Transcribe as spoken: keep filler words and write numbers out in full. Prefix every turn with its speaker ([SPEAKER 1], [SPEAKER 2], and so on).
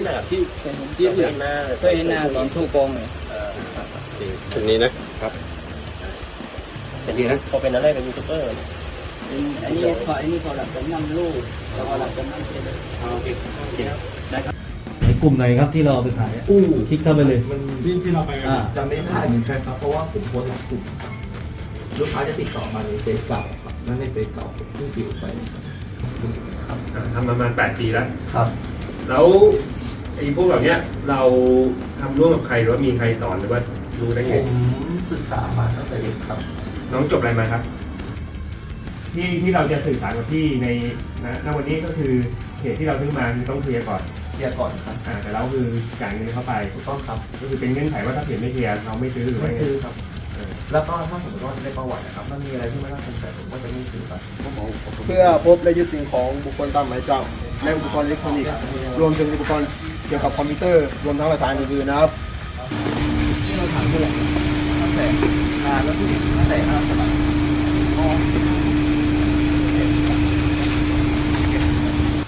[SPEAKER 1] นะครับที่ที่เห็นหน้าก็เห็นหน้าตอนทูกองเลย
[SPEAKER 2] ชุดนี้นะครับเป็นดีนะ
[SPEAKER 1] เขาเป็นอะไรเป็นยูทูบเบอร์อันนี้ขออันนี้ขอหลักเป็นนำลูกขอหลักเป็นนำเจเลยโอเคโอเคได้ครับ
[SPEAKER 3] ในกลุ่มไหนครับที่เราเอาไปขายอู้คลิกเข้าไปเลย
[SPEAKER 4] มันที่ที่เราไป
[SPEAKER 5] จะไม่ได้เหมือนกันครับเพราะว่าผมโพสต์หลักกลุ่มลูกค้าจะติดต่อมาในเฟซเก่าครับนั่นในเฟซเก่าผมเพิ่งปิดไป
[SPEAKER 4] ครับทำประมาณแปดปีแล้ว
[SPEAKER 5] ครับ
[SPEAKER 4] แล้วไอ้พวกแบบเนี้ยเราทำร่วมกับใครหรือว่ามีใครสอนหรือว่ารู้ได้ไง
[SPEAKER 5] ผมศึกษามาตั้งแต่เด็กครับ
[SPEAKER 4] น้องจบอะไรมาครับที่ที่เราจะสื่อสารกับที่ในณวันนี้ก็คือเหตุที่เราซื้อมาคือต้องเคลียร์ก่อน
[SPEAKER 5] เคลียร์ก่อนครับ
[SPEAKER 4] อ่าแต่เราคือจ่ายเงินเข้าไป
[SPEAKER 5] ถูกต้องครับ
[SPEAKER 4] ก็คือเป็นเงื่อนไขว่าถ้าเปลี่ยนไม่เคลียร์เราไม่ซื้อหรือ
[SPEAKER 5] ไม่ซื้อครับแล้วก็ถ้าสมมติว่าในประวัตินะครับมันมีอะไรที่ไม่น่าสงสัยผมก็จะไม่ซื้อครับ
[SPEAKER 6] เพื่อพบและยึดสิ่งของบุคคลตามหมายจับและอุปกรณ์อิเล็กทรอนิกส์รวมถึงอุปกรณ์เกี่ยวกับคอมพิวเตอร์รวมทั้งหลักฐานอื่นๆนะครับ
[SPEAKER 5] ที่เราถามเพื่อนตั้งแต่งานแล้วผู้หญิงตั้งแต่ห้าสมัย